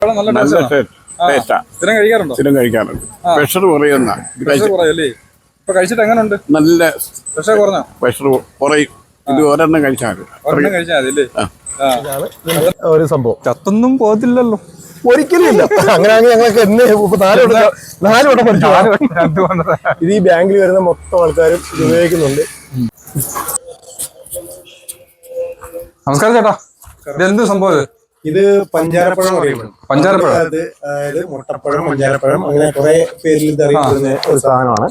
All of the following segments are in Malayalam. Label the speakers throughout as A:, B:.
A: നല്ല ടേസ്റ്റാ.
B: സ്ഥിരം കഴിക്കാറുണ്ടോ?
A: സ്ഥിരം കഴിക്കാറുണ്ട്. പ്രഷർ കുറയുന്ന
B: കഴിച്ചിട്ട് എങ്ങനെയുണ്ട്?
A: നല്ല
B: പ്രഷർ കുറഞ്ഞോ?
A: പ്രഷർ കുറയും. ഇത് ഒരെണ്ണം കഴിച്ചാൽ
B: മതി.
C: ഒരു സംഭവം
B: ചത്തൊന്നും പോകത്തില്ലല്ലോ,
C: ഒരിക്കലും ഇല്ല. അങ്ങനെയാണെങ്കിൽ ഞങ്ങൾക്ക് നാല് വട്ടം പഠിച്ചു. ഇത് ഈ ബാങ്കിൽ വരുന്ന മൊത്തം ആൾക്കാരും ഇത് ഉപയോഗിക്കുന്നുണ്ട്.
B: നമസ്കാരം ചേട്ടാ, ഇത് എന്ത് സംഭവം?
C: ഇത് പഞ്ചാരപ്പഴം അറിയപ്പെടും.
B: പഞ്ചാരപ്പഴം
C: അതായത് മുട്ടപ്പഴം, പഞ്ചാരപ്പഴം, അങ്ങനെ കുറെ പേരിൽ ഇത് അറിയപ്പെടുന്ന ഒരു സാധനമാണ്.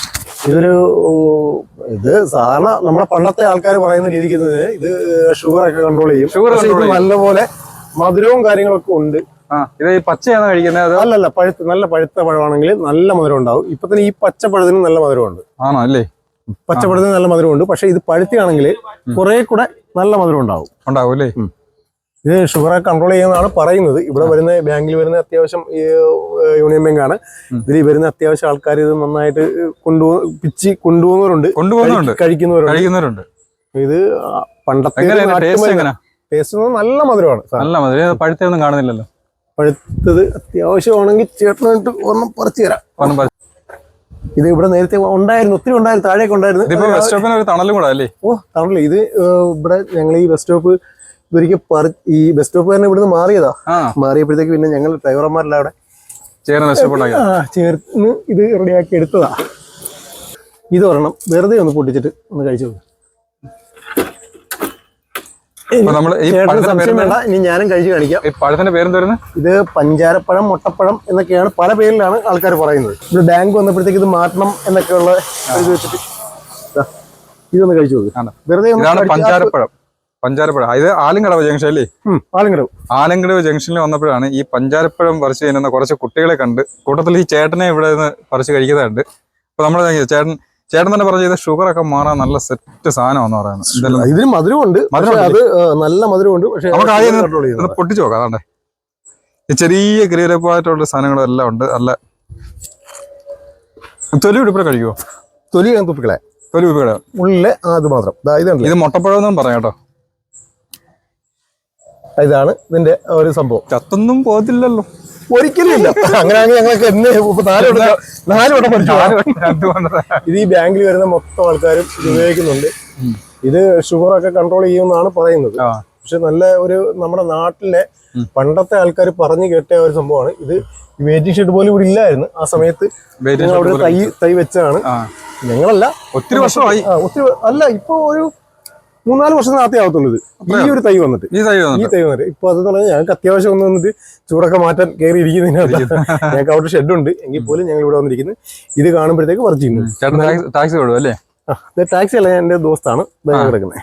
C: ഇത് സാധാരണ നമ്മുടെ പണ്ടത്തെ ആൾക്കാർ പറയുന്ന രീതിക്ക് ഇത് ഷുഗർ ഒക്കെ കൺട്രോൾ ചെയ്യും. നല്ലപോലെ മധുരവും കാര്യങ്ങളൊക്കെ ഉണ്ട്.
B: ഇത് പച്ചയാണ് കഴിക്കുന്നത്?
C: അല്ലല്ല, നല്ല പഴുത്ത പഴമാണെങ്കിൽ നല്ല മധുരം ഉണ്ടാവും. ഇപ്പൊ തന്നെ ഈ പച്ചപ്പഴത്തിന് നല്ല മധുരമുണ്ട്.
B: ആണോ? അല്ലേ,
C: പച്ചപ്പഴത്തിന് നല്ല മധുരമുണ്ട്. പക്ഷെ ഇത് പഴുത്തിയാണെങ്കിൽ കുറെ കൂടെ നല്ല മധുരം ഉണ്ടാവും.
B: അല്ലേ?
C: ഇത് ഷുഗറെ കൺട്രോൾ ചെയ്യുന്നതാണ് പറയുന്നത്. ഇവിടെ വരുന്ന ബാങ്കിൽ വരുന്ന അത്യാവശ്യം യൂണിയൻ ബാങ്കാണ്. ഇതിൽ വരുന്ന അത്യാവശ്യം ആൾക്കാർ ഇത് നന്നായിട്ട് പിച്ചി കൊണ്ടുപോകുന്നവരുണ്ട്, കഴിക്കുന്നവരുണ്ട്. ഇത് പണ്ടത്തെ ടേസ്റ്റ് നല്ല മധുരമാണ്.
B: നല്ല മധുരം. പഴുത്തൊന്നും കാണുന്നില്ലല്ലോ.
C: പഴുത്തത് അത്യാവശ്യമാണെങ്കിൽ ചേട്ടനായിട്ട് ഒന്നും പറിച്ചു തരാം. ഇത് ഇവിടെ നേരത്തെ ഉണ്ടായിരുന്നു, ഒത്തിരി ഉണ്ടായിരുന്നു, താഴേക്ക് ഉണ്ടായിരുന്നു.
B: തണലും കൂടെ അല്ലേ?
C: ഓ, തണല്. ഇത് ഇവിടെ ഞങ്ങൾ ഈ ബസ് സ്റ്റോപ്പ് ഒരിക്കൽ ഈ ബസ് സ്റ്റോപ്പ് തന്നെ ഇവിടുന്ന് മാറിയപ്പോഴത്തേക്ക് പിന്നെ ഞങ്ങൾ ഡ്രൈവർമാരെല്ലാം അവിടെ ചേർന്ന് ഇത് റെഡിയാക്കി എടുത്തതാ. ഇത് ഒരെണ്ണം വെറുതെ ഒന്ന് പൊട്ടിച്ചിട്ട് ഒന്ന് കഴിച്ചു. ഇനി ഞാനും കഴിച്ചു കാണിക്കാം.
B: പഴത്തിന്റെ പേരെന്തായിരുന്നു?
C: ഇത് പഞ്ചാരപ്പഴം, മുട്ടപ്പഴം എന്നൊക്കെയാണ് പല പേരിലാണ് ആൾക്കാർ പറയുന്നത്. ഇവിടെ ബാങ്ക് വന്നപ്പോഴത്തേക്ക് ഇത് മാറ്റണം എന്നൊക്കെയുള്ള ഇത് വെച്ചിട്ട് ഇതൊന്ന് കഴിച്ചു നോക്ക്. വെറുതെ
B: പഞ്ചാരപ്പഴം. ഇത് ആലങ്കടവ് ജംഗ്ഷൻ അല്ലേ? ആലങ്കടവ് ജംഗ്ഷനിൽ വന്നപ്പോഴാണ് ഈ പഞ്ചാരപ്പഴം പറിച്ച് ചെയ്യുന്ന കുറച്ച് കുട്ടികളെ കണ്ട്, കൂട്ടത്തിൽ ഈ ചേട്ടനെ ഇവിടെ നിന്ന് പറിച്ച് കഴിക്കുന്നുണ്ട്. അപ്പൊ നമ്മൾ ചേട്ടൻ തന്നെ പറഞ്ഞത് ഷുഗർ ഒക്കെ മാറാൻ നല്ല സെറ്റ് സാധനമാണെന്ന് പറയുന്നത്.
C: ഇതിന് മധുരമുണ്ട്, അത് നല്ല മധുരമുണ്ട്. പക്ഷെ
B: നമുക്ക് ആദ്യം പൊട്ടിച്ചു നോക്കാം. അതാണ്ടേ ഈ ചെറിയ ഗ്രീരപ്പായിട്ടുള്ള സാധനങ്ങളും എല്ലാം ഉണ്ട്. നല്ല തൊലി ഉടുപ്പിടെ കഴിക്കുമോ?
C: തൊലി തുപ്പിക്കളെ ഉള്ളിലെ അത് മാത്രം.
B: ഇത് മുട്ടപ്പഴം എന്നും പറയാം കേട്ടോ.
C: ഇതാണ് ഇതിന്റെ ഒരു സംഭവം.
B: ചത്തൊന്നും പോകത്തില്ലല്ലോ,
C: ഒരിക്കലും ഇല്ല. അങ്ങനെയാണെങ്കിൽ ഞങ്ങൾക്ക് നാല് വട്ടം പഠിച്ചു. ഇത് ഈ ബാങ്കിൽ വരുന്ന മൊത്തം ആൾക്കാരും ഇത് ഉപയോഗിക്കുന്നുണ്ട്. ഇത് ഷുഗറൊക്കെ കൺട്രോൾ ചെയ്യുമെന്നാണ് പറയുന്നത്. പക്ഷെ നല്ല ഒരു നമ്മുടെ നാട്ടിലെ പണ്ടത്തെ ആൾക്കാർ പറഞ്ഞു കേട്ട ഒരു സംഭവമാണ്. ഇത് വെയിറ്റിംഗ് ഷെഡ് പോലും ഇവിടെ ഇല്ലായിരുന്നു ആ സമയത്ത്. അവിടെ തൈ വെച്ചാണ്. ഞങ്ങളല്ല,
B: ഒത്തിരി വർഷമായി.
C: അല്ല, ഇപ്പൊ ഒരു 3-4 വർഷത്തിനകത്തേ ആവത്തുള്ളൂ ഇത്. ഈ ഒരു തൈ വന്നിട്ട് ഇപ്പൊ അതെന്ന് പറഞ്ഞാൽ ഞങ്ങൾക്ക് അത്യാവശ്യം ഒന്ന് വന്നിട്ട് ചൂടൊക്കെ മാറ്റാൻ കയറി ഇരിക്കുന്നതിനകത്ത് ഞങ്ങൾക്ക് അവിടെ ഷെഡുണ്ട്. എങ്കിൽ പോലും ഞങ്ങൾ ഇവിടെ വന്നിരിക്കുന്നത് ഇത് കാണുമ്പോഴത്തേക്ക് പറിച്ചു ചെയ്യുന്നു. ടാക്സി അല്ല, എന്റെ ദോസ്താണ് കിടക്കുന്നത്.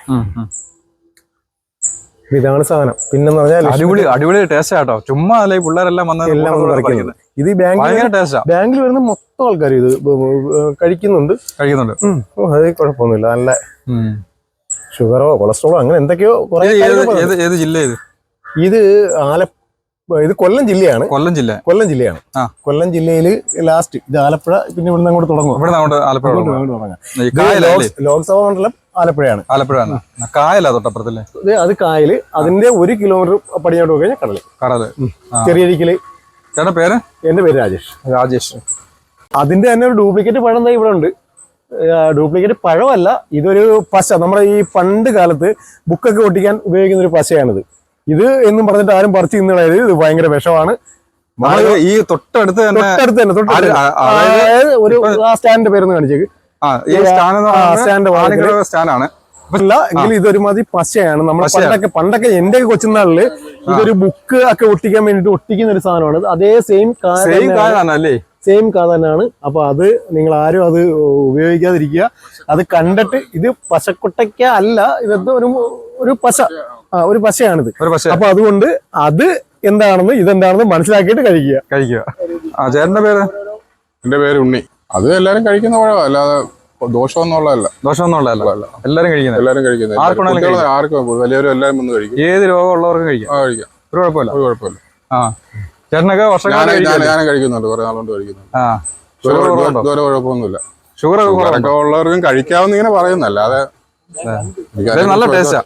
C: ഇതാണ് സാധനം. പിന്നെ
B: അടിപൊളി ടേസ്റ്റ് ആട്ടോ. ചുമ്മാ അല്ലേ പിള്ളേരെല്ലാം
C: എല്ലാം ഇത് ഈ ബാങ്കിൽ വരുന്ന മൊത്തം ആൾക്കാർ ഇത് കഴിക്കുന്നുണ്ട്. അത് കുഴപ്പമൊന്നുമില്ല. നല്ല ഷുഗറോ കൊളസ്ട്രോളോ അങ്ങനെ എന്തൊക്കെയോ
B: ഏത് ജില്ല?
C: ഇത് ഇത് കൊല്ലം ജില്ലയാണ്. കൊല്ലം ജില്ലയില് ലാസ്റ്റ് ഇത് ആലപ്പുഴ. പിന്നെ ഇവിടുന്ന് അങ്ങോട്ട് തുടങ്ങും. ലോക്സഭാ മണ്ഡലം ആലപ്പുഴയാണ്. അത് കായല്. അതിന്റെ 1 കിലോമീറ്റർ പടിഞ്ഞോട്ട് പോയി കഴിഞ്ഞാൽ കടല്. ചെറിയരിക്കല്. എന്റെ പേര് രാജേഷ്. അതിന്റെ തന്നെ ഒരു ഡ്യൂപ്ലിക്കേറ്റ് പഴം ഇവിടെ ഉണ്ട്. ഡ്യൂപ്ലിക്കേറ്റ് പഴമല്ല, ഇതൊരു പശ. നമ്മുടെ ഈ പണ്ട് കാലത്ത് ബുക്കൊക്കെ ഒട്ടിക്കാൻ ഉപയോഗിക്കുന്ന ഒരു പശയാണിത്. ഇത് എന്നും പറഞ്ഞിട്ട് ആരും പറിച്ചു തിന്നണത്. ഇത് ഭയങ്കര വിഷമാണ്.
B: ഈ തൊട്ടടുത്ത് തന്നെ
C: ഒരു സ്റ്റാൻഡിന്റെ പേരൊന്ന് കാണിച്ചേക്ക്. എങ്കിലും ഇതൊരുമാതിരി പശയാണ്. നമ്മുടെ പണ്ടൊക്കെ എന്റെ കൊച്ചുനാളില് ഇതൊരു ബുക്ക് ഒക്കെ ഒട്ടിക്കാൻ വേണ്ടിട്ട് ഒട്ടിക്കുന്ന ഒരു സാധനമാണ്. അതേ സെയിം തന്നെയാണ്. അപ്പൊ അത് നിങ്ങൾ ആരും അത് ഉപയോഗിക്കാതിരിക്കുക. അത് കണ്ടിട്ട് ഇത് പശക്കൊട്ടയ്ക്ക അല്ല, ഇതെന്തോ ഒരു പശയാണിത്. അപ്പൊ അതുകൊണ്ട് അത് എന്താണെന്ന് ഇതെന്താണെന്ന് മനസ്സിലാക്കിയിട്ട് കഴിക്കുക.
B: ചേട്ടന്റെ പേര്?
A: എന്റെ പേര് ഉണ്ണി. അത് എല്ലാരും കഴിക്കുന്ന പഴം, അല്ലാതെ ദോഷമൊന്നുമുള്ളതല്ല.
B: എല്ലാരും കഴിക്കുന്നത്.
A: ആർക്കും വലിയവരും എല്ലാരും വന്ന് കഴിക്കും.
B: ഏത് രോഗമുള്ളവർക്കും കഴിക്കാം. ഒരു കുഴപ്പമില്ല. ചേട്ടനൊക്കെ
A: ഞാനും കഴിക്കുന്നുണ്ട്, കുറെ നാളുകൊണ്ട് കഴിക്കുന്നുണ്ട്. ഇതുവരെ കുഴപ്പമൊന്നുമില്ല.
B: ഷുഗർ
A: ഒക്കെ ഉള്ളവർക്കും കഴിക്കാവുന്ന ഇങ്ങനെ പറയുന്നല്ല, അതെ.
B: നല്ല ടേസ്റ്റാ.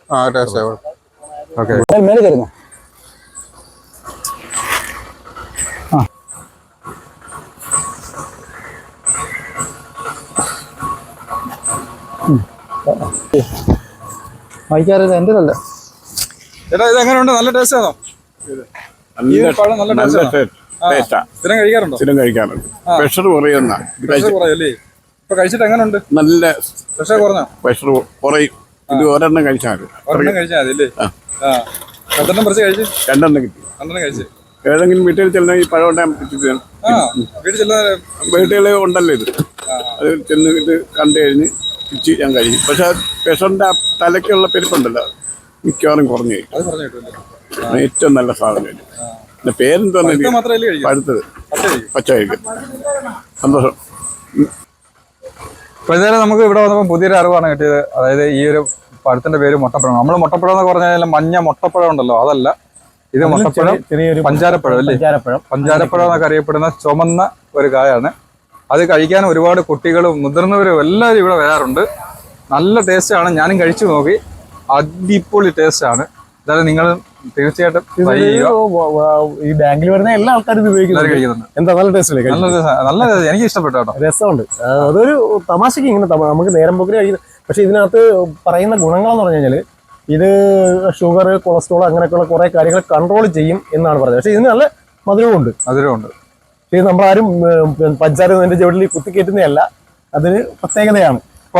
C: വായിക്കാറില്ല, എൻ്റെ അല്ല.
B: ചേട്ടാ ഇത് എങ്ങനെയുണ്ട്? നല്ല ടേസ്റ്റ് ആണോ? ഈ പഴം നല്ല ടേസ്റ്റ് ആണോ? സ്ഥിരം കഴിക്കാറുണ്ടോ?
D: സ്ഥിരം കഴിക്കാറുണ്ട്. പ്രഷർ കുറയുന്ന
B: പ്രഷർ കുറയല്ലേ? ഇപ്പൊ കഴിച്ചിട്ട് എങ്ങനെയുണ്ട്?
D: നല്ല
B: പ്രഷർ കുറഞ്ഞോ?
D: പ്രഷർ കുറയും. ഇത് ഒരെണ്ണം കഴിച്ചാൽ മതി.
B: ഒരെണ്ണം കഴിച്ചാൽ മതി അല്ലേ? എത്രണ്ണം പറിച്ച് കഴിച്ചു?
D: രണ്ടെണ്ണം കിട്ടി.
B: രണ്ടെണ്ണം കഴിച്ചു.
D: ഏതെങ്കിലും വീട്ടിൽ ചെല്ലുന്ന ഈ പഴം ഉണ്ടാകും.
B: വീട്ടിൽ ചെല്ലാൻ
D: വീട്ടുകളിൽ ഉണ്ടല്ലോ ഇത്. അത് ചെന്ന് ഇത് കണ്ടു കഴിഞ്ഞ് പിച്ച് ഞാൻ കഴിക്കും. പക്ഷെ പ്രഷറിന്റെ ആ തലയ്ക്കുള്ള പെരുപ്പുണ്ടല്ലോ മിക്കവാറും കുറഞ്ഞു കഴിക്കും.
B: അത് പറഞ്ഞു കിട്ടുമല്ലേ?
D: ഏറ്റവും നല്ല സാധനം. പിന്നെ പേരെന്തോന്നു?
B: മാത്രമല്ലേ കഴിക്കും?
D: പഴുത്തത് പച്ച കഴിക്കും. സന്തോഷം.
B: അപ്പോൾ ഇതായാലും നമുക്ക് ഇവിടെ വന്നപ്പോൾ പുതിയൊരു അറിവാണ് കിട്ടിയത്. അതായത് ഈ ഒരു പഴത്തിന്റെ പേര് മുട്ടപ്പഴം. നമ്മൾ മുട്ടപ്പഴം എന്ന് പറഞ്ഞാൽ മഞ്ഞ മുട്ടപ്പഴം ഉണ്ടല്ലോ, അതല്ല. ഇത് മുട്ടപ്പഴം, പഞ്ചാരപ്പഴം അല്ലേ? പഞ്ചാരപ്പഴം എന്നൊക്കെ അറിയപ്പെടുന്ന ചുമന്ന ഒരു കായാണ്. അത് കഴിക്കാൻ ഒരുപാട് കുട്ടികളും മുതിർന്നവരും എല്ലാവരും ഇവിടെ വരാറുണ്ട്. നല്ല ടേസ്റ്റാണ്. ഞാനും കഴിച്ചു നോക്കി. അടിപൊളി ടേസ്റ്റാണ്. എന്തായാലും നിങ്ങൾ തീർച്ചയായിട്ടും ട്രൈ ചെയ്യുക.
C: ഈ ബാങ്കിൽ വരുന്ന എല്ലാ ആൾക്കാരും ഇത് ഉപയോഗിക്കുന്നുണ്ട്. എന്താ നല്ല ടേസ്റ്റ് അല്ലേ?
B: നല്ല എനിക്ക് ഇഷ്ടപ്പെട്ടു കേട്ടോ.
C: രസമുണ്ട്. അതൊരു തമാശക്ക് ഇങ്ങനെ നമുക്ക് നേരം പോക്കിന് കഴിക്കുന്നത്. പക്ഷെ ഇതിനകത്ത് പറയുന്ന ഗുണങ്ങളെന്ന് പറഞ്ഞു കഴിഞ്ഞാൽ ഇത് ഷുഗർ, കൊളസ്ട്രോൾ അങ്ങനെയൊക്കെയുള്ള കുറെ കാര്യങ്ങൾ കൺട്രോൾ ചെയ്യും എന്നാണ് പറയുന്നത്. പക്ഷെ ഇതിന് നല്ല മധുരമുണ്ട്. ഇത് നമ്മളാരും പഞ്ചാര ചുവട്ടിൽ കുത്തിക്കയറ്റുന്നതല്ല. അതിന് പ്രത്യേകതയാണ്.